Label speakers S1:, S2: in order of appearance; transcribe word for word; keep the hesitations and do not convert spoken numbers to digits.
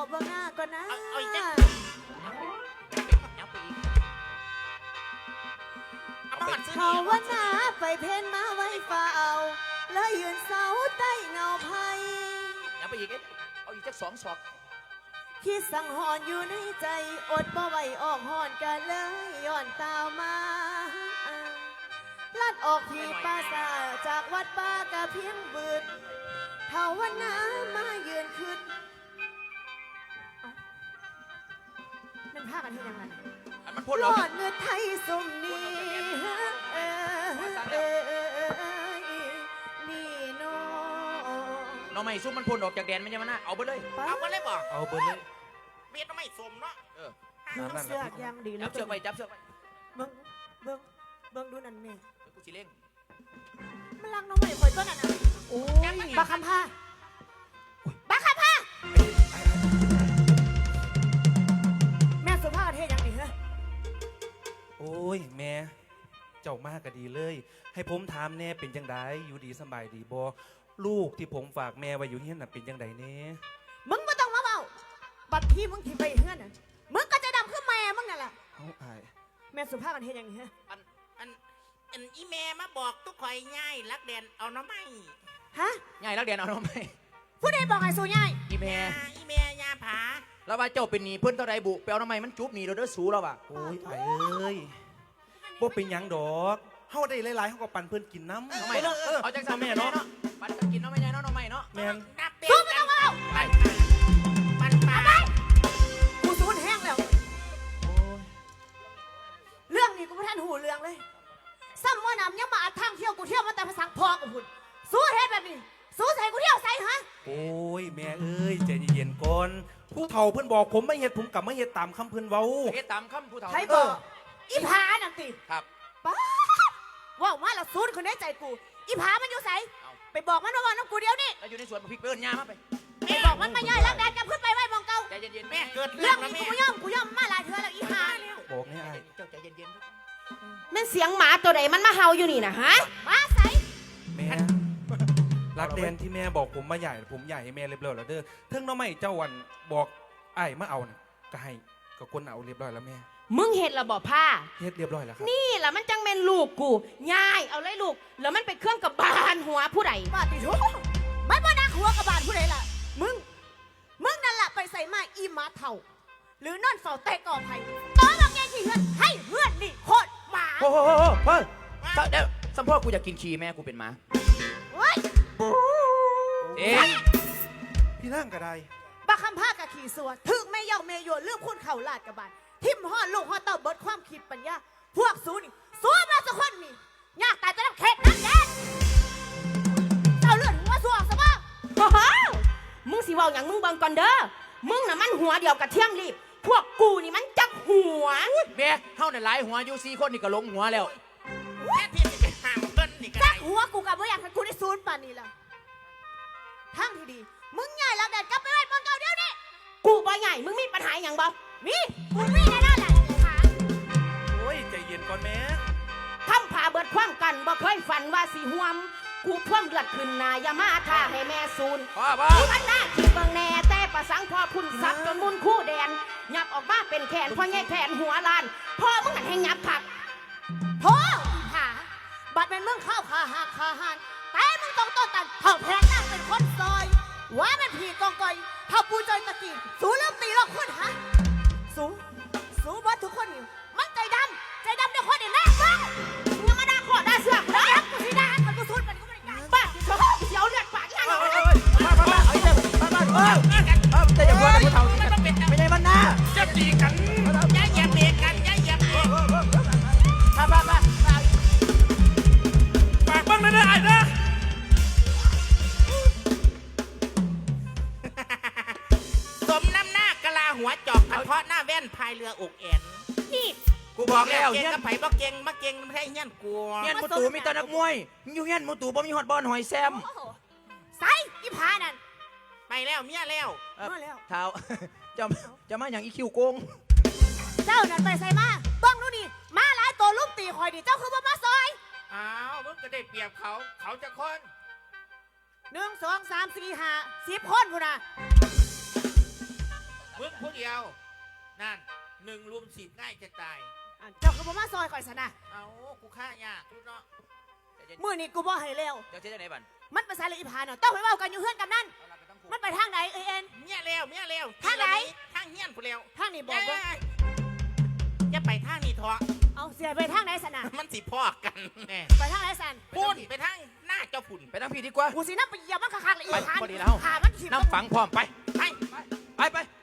S1: เบื้องหน้าก่อนนะ
S2: เอาอีกจังเอาไปอีกเอามาหันซื้อ
S1: เขา
S2: นี่
S1: ว่าหน้าไปเพ่นมาไว้เฝ้าแล้วยืนเสาใต้เงาไผ่
S2: เอาไปอีกเอาอีกจักสองศอก
S1: คิดสังหรณ์อยู่ในใจอดบ่ไหวออกหอนกันเลยย้อนตามมาลัดออกที่ป่าซาจากวัดป่ากะเพียงบืดเท่าวันน้ามายืนขึ้นมันพากันที่ยังไง
S2: อันมันพ่น
S1: ย
S2: เรา
S1: อดเงินไทยสมนี้เอ้ยนี่โน
S2: น้องไม่ซุ่มมันพ่นออกจากแดนไม่ใช่มันนะเอาไปเลย
S3: เอาไปเลยบ่
S4: เอาเบอร์เลย
S3: เบียดไม่สมเนาะ
S2: เออ
S1: มึงเสือกยังดีแล้
S2: จั
S1: ว
S2: บเชือกไปจับเชือกไป
S1: เบิ้งเบิ้งเบิ้งดูนั่นแม่
S2: กูสิเล่ง
S1: มันรักน้องใหม่คอยต้นนั่นน่ะโอ้ยบักคำผ้าบักคำผ้าแม่สุภาพประเทศยังดีเหรอ
S4: โอ้ยแม่เจ้ามากก็ดีเลย ให้ผมถามแน่เป็นจังไดอยู่ดีสบายดีบ่ลูกที่ผมฝากแม่ไว้อยู่เฮียนน่ะเป็นจังไดแน่
S1: มึงไม่ต้องมาเบาบัดที่มึงที่ไปเฮือนน่ะมึงก็จะดำขึ้นแม่มึงนั่นแหละ
S4: เอาอาย
S1: แม่สุภาพประเทศยังดีเหรอ
S3: อันอันอันอีแม่มาบอกทุกข่อยง่ายรักแดนเอาน้ำไม่
S1: ฮะ
S2: ง่ายรักแดนเอาน้องไม่
S1: ผู้ใดบอกไอ้สูย่าย
S2: อีแม่
S3: ยาอีแม่ยาผา
S2: แล้วว่าเจ้าเป็นหนีเพิ่นเท่าไรบุไปเอาน้องไม่มันจุบหนีเราเด้อสูแล้วว่ะ
S4: โอ้ยอายเอ้ยบ่เป็นหยังดอกเฮาได้หลายๆเฮาก็ปั่นเพิ่นกินน้ำ
S2: น้องไม่เนาะเอาจังสัน
S4: แม่เนาะ
S2: ปันกันกินน้องไม่ใช่เนาะน้องไม่เนาะ
S4: แม่น
S3: นับเด็
S1: สู้
S3: ก
S1: ไม่
S3: กั
S1: ต้อน งมาเอา
S3: ปันปันปัน
S1: กูสูญแห้งแล้ว
S4: โอ้ย
S1: เรื่องนี้กูไม่ทันหูเรื่องเลยซ้ำว่านำยังมาอัดทางเที่ยวกูเที่ยวมาแต่ภาษาพอกูพุ่นสู้เฮ็ดแบบนี้สู้ใส่กูเที่ยวใส่ฮะ
S4: โอ้ยแม่เอ้ยใจเย็นๆก่อนผู้เฒ่าเพิ่นบอกผมไม่เฮ็ดผมกลับมาเฮ็ดตามคำเพิ่นเว้า
S2: เฮ็ดตามคำผู้เฒ่า
S1: ใครบอกอีผานั่นติ
S2: ครับ
S1: ป้าว่าว่าเราสู้คนได้ใจกูอีผามันอยู่ใส่
S2: เอา
S1: ไปบอกมันว่าว่าน้ำกูเดียวนี่
S2: แล้วอยู่ในสวนพริกเปิ้ลย่ามาไป
S1: ไปบอกมันมาย่อยรักแดนกับขึ้นไปไว้มองเก่า
S2: ใจเย็นๆ
S3: แม่
S2: แม่
S3: เกิด
S1: เรื่
S3: เรื่
S1: อ
S3: อง ง
S1: นี้
S3: แล้ว
S1: กู
S3: แม่
S1: ไม่ย่อมกูย่อมมาหลายเทื่อแล้วอีผา
S4: บอกนี่อาย
S2: เจ้าใจเย็น
S5: แม่นเสียงหมาตัวใดมันมาเห่าอยู่นี่นะฮะ
S1: มาใส่
S4: แม่รักแดนที่แม่บอกผมมาใหญ่ผมใหญ่ให้แม่เรียบร้อยแล้วเด้อเทิงน้องไม่เจ้าวันบอกไอ้ายมาเอาน่ะก็ให้ก็คนเอาเรียบร้อยแล้วแม่
S5: มึงเห็ดระบอกผ้า
S4: เฮ็ดเรียบร้อยแล้วครับ
S5: นี่แหละมันจังแม่นลูกกูย่ายเอาเลยลูก แล้วมันไปเครื่องกับบานหัวผู้ใด
S1: มาติทุไม่ว่านักหัวกระบาลผู้ใดล่ะมึงมึงนั่นแหละไปใส่มาอีหมาเท่า หรือนอนเฝ้าแต่กอไผ่ตอนบางแง่ที่เฮือนให้เฮือนนี่โคตรหมา
S2: โอ้โหเฮ้ยเดี๋ยวสัมพ่อกูอยากกินขี้แม่กูเป็นหมา
S1: เฮ้ย
S2: เอ๊ะ
S4: พี่นั่งก็ได้
S1: บักคำผ้ากับขี่สัวถึงไม่เย่าเมยโยนเรื่องคุณเข่าลาดกระบาลทิมห่อลูกห่อเต่าเบิดความคิดปัญญาพวกสูนี่สัวมาสักคนนี่ยากแต่จะรับเข็ดนักแดนเจ้าเลือดหัวสัวสบ้า
S5: โอ้โหมึงสิเว้าอย่างมึงเบิ่งก่อนเด้อ มึงน่ะมันหัวเดียวกับเที่ยงรีบ พวกกูนี่มันจักหัว
S2: แม่เฮาเนี่ยหลายหัวอยู่สี่คนนี่ก็ลงหัวแล้ว
S3: แม่ที่จะไปห้ามเพิ่นนี่ก็
S1: จั
S3: ได้
S1: กหัวกูกับว่าอยากให้กูได้ซูนป่านนี้ล่ะทั้งที่ดีมึงใหญ่แล้วแดนกลับไปไว้บนเก่าเดียวนี่
S5: กูบ่ใหญ่ มึงมีปัญหาอย่างบ่
S1: มีกูมีแน่นอนแหละขา
S4: โอ้ยใจเย็นก่อนแม่
S5: ทำผ่าเบิดความกันบ่เคยฝันว่าสิห่วม กูท่วมเลือดขึ้นหนาอย่ามาท่าให้แม่ซูน
S2: พ่อพ่อ
S5: กูอันหน้าคิดเบิ่งแน่แต่ประสังพอพุ่นซับจนมุนคู่แดนยับออกมาเป็นแขนพ่อแง่แขนหัวลานพ่อมึงหันให้ยับผัก
S1: โธ่ขาบัดเป็นมึงเข้าขาหักขาหันแต่มึงต้องต้นตันเท่าแพงนั่งเป็นคนซอยว่าเป็นผีกองกอยเท่าปูจอยตะกี้สูเริ่มตีเราคนฮะสูสูว่าทุกคนนี่มันใจดำใจดำเดี๋ยวคนนี่แม่บ้าง
S5: มึงอย่ามาด่าขอด่าเสือก
S1: แล้
S5: นะ
S1: วกูที่ด่ามันกูสูดมันกูไม่ได้ด่า
S5: ป้าเดี๋ยวเลือดปากยัง
S2: มามามาเอาอีกแล้วมามาเออเออแต่อย่าพูดกับผู้เฒ่าไม่ได้มันนะ
S3: จะตีกันอย่าเหยียบเบรกกันอย่าเหยียบเบรก
S2: มามามา
S3: ฝากบ้างนะนะไอ้นะสมน้ำหน้ากะลาหัวจอกกันเพราะหน้าแว่นพายเรืออกแอน
S5: นี่
S2: กูบอกแล้ว
S3: เก่ง
S2: เฮียน
S3: กับไผ่บ่เก่งมาเก่งไม่ใช่เงี้ยนกลัว
S2: เฮียนมูตูมีแต่นักมวยอยู่เฮียนมูตูบ่มีฮอดบอลหอยแซม
S1: โอ้โหใส่อีผานั่น
S3: ไปแล้วเมียแล้ว
S2: เอ่อ
S1: มาแล้ว
S2: เท้า จะจะมาอย่างอีคิวโกง
S1: เจ้านั่นไปใส่มาบ้องดูนี่มาหลายตัวลูกตีคอยดิเจ้าคือว่ามาซอย
S3: อ้าวมึงก็ได้เปรียบเขาเขาจะคน
S1: หนึ่งสองสามสี่ห้าสิบคนพูนะ
S3: ผู้เดียวนั่นหนึ่งรุมสิบง่ายจะตาย
S1: อันเจ้าก็บ่มาซอยข่อยซะนะ
S3: เอากูฆ่ายากทุกเนาะ
S1: มื้อนี้กูบ่ให้แล้ว
S2: เจ้าเจ๊จะไหนบัน
S1: มันไปใส่เลยอีพาเนาะต้องไปเว้ากันอยู่เฮือนกับนั่น
S2: เอาล่ะก็ต้องพูด
S1: มันไปทางไหนเอ้ยเอ็น
S3: เมียเร็วเมียเร็ว
S1: ทางไหน
S3: ทางเฮียนผู้เร็ว
S1: ทางนี้บอกว่า
S3: จะไปทางนี้เถอะ
S1: เอาเสียไปทางไหนสนะ
S3: มันสิพ่อกันแน่
S1: ไปทางไหนสัน
S3: พุ่นไปทางหน้าเจ้าฝุ่น
S2: ไปนั่งพี่ดีกว่า
S1: กูสินับไปเหยียบมันคักๆเลยอี
S2: ไป
S1: พาน
S2: พอดีแล้ว
S1: ขามันขีบ
S2: น้ำฝังพร้อมไป
S3: ไป
S2: ไปไป